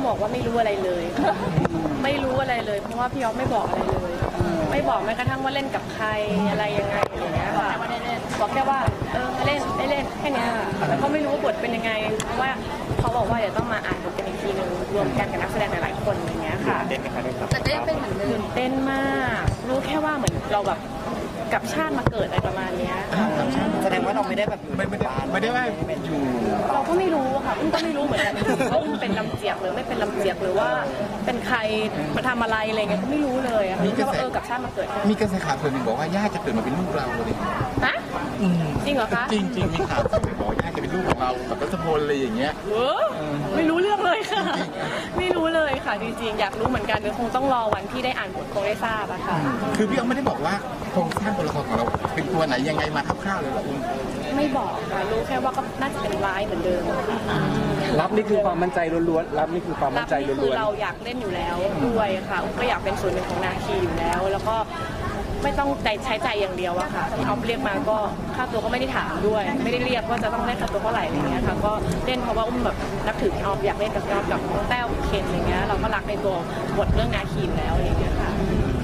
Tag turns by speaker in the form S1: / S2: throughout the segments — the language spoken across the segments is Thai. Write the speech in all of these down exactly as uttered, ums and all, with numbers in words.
S1: บอกว่าไม่รู้อะไรเลยไม่รู้อะไรเลยเพราะว่าพี่อ๊อฟไม่บอกอะไรเลยไม่บอกแม้กระทั่งว่าเล่นกับใครอะไรยังไงอะไรเงี้ยค่ะบอกแค่ว่าเออเล่นได้เล่นแค่นี้ค่ะแล้วก็ไม่รู้ว่าบทเป็นยังไงเพราะว่าเขาบอกว่าเดี๋ยวต้องมาอ่านบทกันอีกทีนึงรวมกันกับนักแสดงหลายๆคนอย่างเงี้ยค่ะ
S2: เต้นไหมคะได้ครับ
S3: แต่ก็ยังเป็นเหมือนเดิม
S1: เต้นมากรู้แค่ว่าเหมือนเราแบบกับชาติมาเกิดอะไรประมาณนี้
S4: แสดงว่าเราไม่ได้แบบไม่
S2: ไม่ได้ไม่ได้ว่าอยู่
S1: เราก็ไม่รู้ค่ะอุ้มก็ไม่รู้เหมือนกันว่าอุ้มเป็นลำเจียกหรือไม่เป็นลำเจียกหรือว่าเป็นใครมาทำอะไรอะไรเงี้ยก็ไม่รู้เลยค่ะรู้แค่ว่าเออกับชาติมาเกิด
S2: มีกระแสข่าวส่วนหนึ่งบอกว่าย่าจะเกิดมาเป็นลูกเราเลย
S1: ฮะจริงเหรอคะ
S2: จริงจริงมีข่าวส่วนหนึ่งบอกย่าจะเป็นลูกของเรากับรัชพลอะไรอย่างเงี้ย
S1: ไม่รู้เรื่องเลยค่ะไม่รู้เลยค่ะจริงๆอยากรู้เหมือนกันเดี๋ยวคงต้องรอวันที่ได้อ่านบทคงได้ทราบอะค่ะ
S2: คือพี่อ๊อฟไม่ได้บอกว่าโครงสร้างตัวละครของเราเป็นตัวไหนยังไงมาคร่าวๆเลยหรออุ้ม
S1: ไม่บอกค่ะรู้แค่ว่าก็น่าจะเป็นร้ายเหมือนเดิม
S4: รับนี่คือความมั่นใจล้วนๆรับนี่คือความมั่นใจล้วนๆ
S1: คือเราอยากเล่นอยู่แล้วด้วยค่ะก็อยากเป็นส่วนหนึ่งของนาคีอยู่แล้วแล้วก็ไม่ต้องใจใช้ใจอย่างเดียวอะค่ะที่เขาเรียกมาก็ค่าตัวก็ไม่ได้ถามด้วยไม่ได้เรียกว่าจะต้องได้ค่าตัวเท่าไหร่อะไรเงี้ยค่ะก็เล่นเพราะว่าอุ้มแบบนับถือพี่ออฟอยากเล่นกับพี่ออฟกับน้องแต้วเคนอะไรเงี้ยเราก็รักในตัวบทเรื่องนาคีอยู่แล้วอะไรเงี้ยค่ะ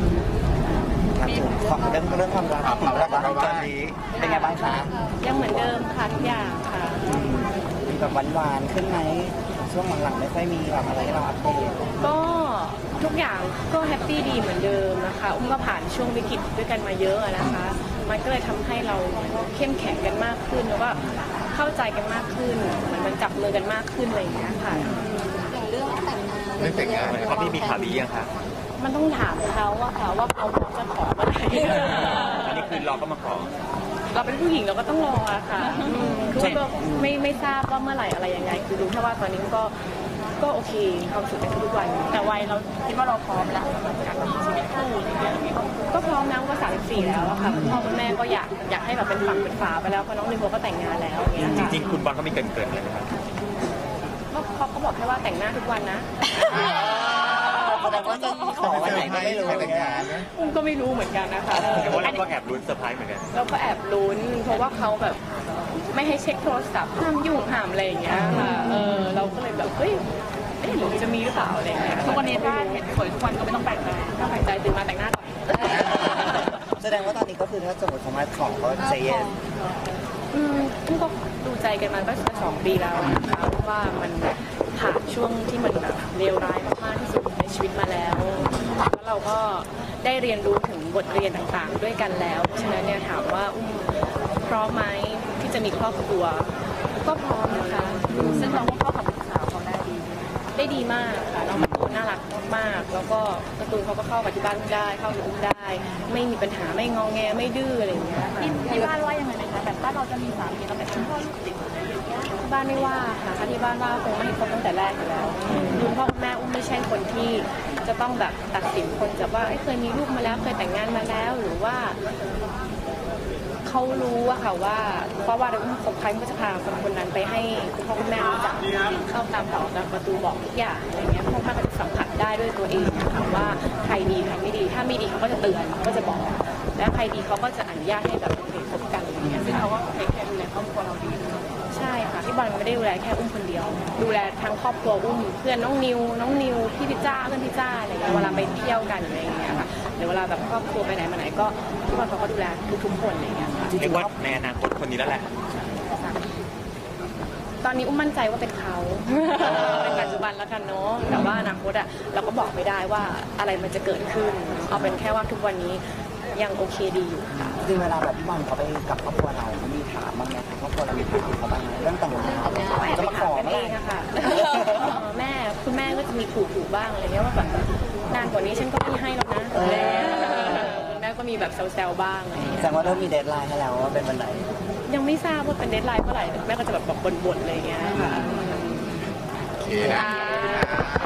S4: เรื่องเรื่องความรักความรักของเราตอนนี้เป็นไงบ้างคะ
S1: ยังเหมือนเดิมค่ะทุกอย่างค่ะ
S4: มีแบบหวานๆขึ้นไหมช่วงหลังๆไม่ค่อยมีแบบอะไรให้เราอัปเดต
S1: ก็ทุกอย่างก็แฮปปี้ดีเหมือนเดิมนะคะอุ้มก็ผ่านช่วงวิกฤตด้วยกันมาเยอะนะคะมันก็เลยทำให้เราเข้มแข็งกันมากขึ้นแล้วก็เข้าใจกันมากขึ้นเหมือนมันจับมือกันมากขึ้นอะไรอย่างเงี้ยค่ะ
S3: อย่างเรื่องแต่งงาน
S2: เรื่องแต่งงานเขาพี่มีข่าวดียังคะ
S1: มันต้องถามเขาว่าค่ะว่าเขาจะขอเมื่อไหร่
S2: อันนี้คือเราก็มาขอ
S1: เราเป็นผู้หญิงเราก็ต้องรอค่ะคือก็ไม่ไม่ทราบว่าเมื่อไหร่อะไรยังไงคือรู้แค่ว่าตอนนี้ก็ก็โอเคความสุขในทุกวันแต่วัยเราคิดว่าเราพร้อมแล้วสำหรับการมีชีวิตคู่อะไรอย่างเงี้ยก็พร้อมนะก็สามสิบสี่แล้วอะค่ะพ่อคุณแม่ก็อยากอยากให้แบบเป็นฝั่งเป็นฝาไปแล้วเพราะน้องนิโคก็แต่งงานแล้วอย่างเงี้ย
S2: จริงๆคุณบอลเขามีเกินเกินเลยนะครับ
S1: เขาเขาบอกแค่ว่าแต่งหน้าทุกวันนะ
S4: แสดงว่าจะขอวันไหนก็ไม่รู้
S2: แต่งงานนะ
S1: อุ้มก็ไม่รู้เหมือนกันนะคะ
S2: แต่ว่าเราก็แอบลุ้นเซอร์ไพรส์เหมือนกัน
S1: เราก็แอบลุ้นเพราะว่าเขาแบบไม่ให้เช็คโทรศัพท์ห้ามยุ่งห้ามอะไรอย่างเงี้ยค่ะเออเราก็เลยแบบเฮ้ยเอ๊ะหรือจะมีหรือเปล่าอะไรอย่างเงี้ยทุกวันนี้ถ้าเห็นสวยทุกวันก็ไม่ต้องแปลกใจถ้าแปลกใจตื่นมาแต่งหน้าก่อน
S4: แสดงว่าตอนนี้ก็คือถ้าสมมติเขามาขอก็ใจเย็น
S1: อืมอุ้มก็ดูใจกันมาก็สองปีแล้วนะคะว่ามันผ่านช่วงที่มันแบบเลวร้ายมากๆที่สุดในชีวิตมาแล้วแล้วเราก็ได้เรียนรู้ถึงบทเรียนต่างๆด้วยกันแล้วเพราะฉะนั้นเนี่ยถามว่าอุ้มพร้อมไหมที่จะมีครอบครัวก็พร้อมนะคะซึ่งเราก็เข้ากับลูกสาวเขาได้ดีได้ดีมากค่ะน้องการ์ตูนน่ารักมากแล้วก็การ์ตูนเขาก็เข้ากับที่บ้านได้เข้ากับอุ้มได้ไม่มีปัญหาไม่งอแงไม่ดื้ออะไรอย่างเงี้ย
S3: ที่บ้านว่ายังไงนะคะแบบบ้านเราจะมีสามีเราเป็นพ่อลูกติด
S1: บ้านไม่ว่าค่ะที่บ้านว่าคงไม่ให้คบตั้งแต่แรกอยู่แล้วคุณพ่อคุณแม่อุ้มไม่ใช่คนที่จะต้องแบบตัดสินคนจากว่าเคยมีลูกมาแล้วเคยแต่งงานมาแล้วหรือว่าเขารู้อะค่ะว่าเพราะว่าเราอุ้มคบใครก็จะพาคนคนนั้นไปให้คุณพ่อคุณแม่รู้จักเข้าตามต่อตามประตูบอกทุกอย่างอะไรเงี้ยพ่อแม่ก็จะสัมผัสได้ด้วยตัวเองนะคะว่าใครดีใครไม่ดีถ้าไม่ดีเขาก็จะเตือนเขาก็จะบอกและใครดีเขาก็จะอนุญาตให้แบบคบกันอย่างเงี้ยซึ่งเขาก็เทคแคร์ดูแลครอบครัวเราดีใช่ค่ะที่บอลไม่ได้ดูแลแค่อุ้มคนเดียวดูแลทั้งครอบครัวอุ้มเพื่อนน้องนิวน้องนิวพี่พิจ้าเพื่อนพิจ้าอะไรเงี้ยเวลาไปเที่ยวกันอะไรอย่างเงี้ยค่ะหรือเวลาแบบครอบครัวไปไหนมาไหนก็ที่บอลเขาก็ดูแลทุกๆคนอะไรเงี้ยค่ะ
S2: เรียกว่าในอนาคตคนนี้แล้วแหละ
S1: ตอนนี้อุ้มมั่นใจว่าเป็นเขาเป็นปัจจุบันแล้วกันเนาะแต่ว่าอนาคตอ่ะเราก็บอกไม่ได้ว่าอะไรมันจะเกิดขึ้นเอาเป็นแค่ว่าทุกวันนี้ยังโอเคดีอยู่ค่ะ
S4: จริงเวลาแบบพี่บอลเขาไปกับครอบครัวเรามีถามบ้างไหมคะครอบครัวเรามีถามเขาบ้างไหมเรื่องแต่งงาน
S1: จะมาขอเองค่ะแม่คุณแม่ก็จะมีขู่ๆบ้างอะไรเงี้ยว่าแบบนานกว่านี้ฉันก็ไม่ให้แล้วนะแม่ก็มีแบบแซวๆบ้างอะไรเงี้ย
S4: แสดงว่าเริ่มมีเดดไลน์ให้แล้วว่าเป็นวันไหน
S1: ยังไม่ทราบว่าเป็นเดดไลน์เมื่อไหร่แม่ก็จะแบบบ่นๆอะไรเงี้ยค่ะ
S2: โอเคนะ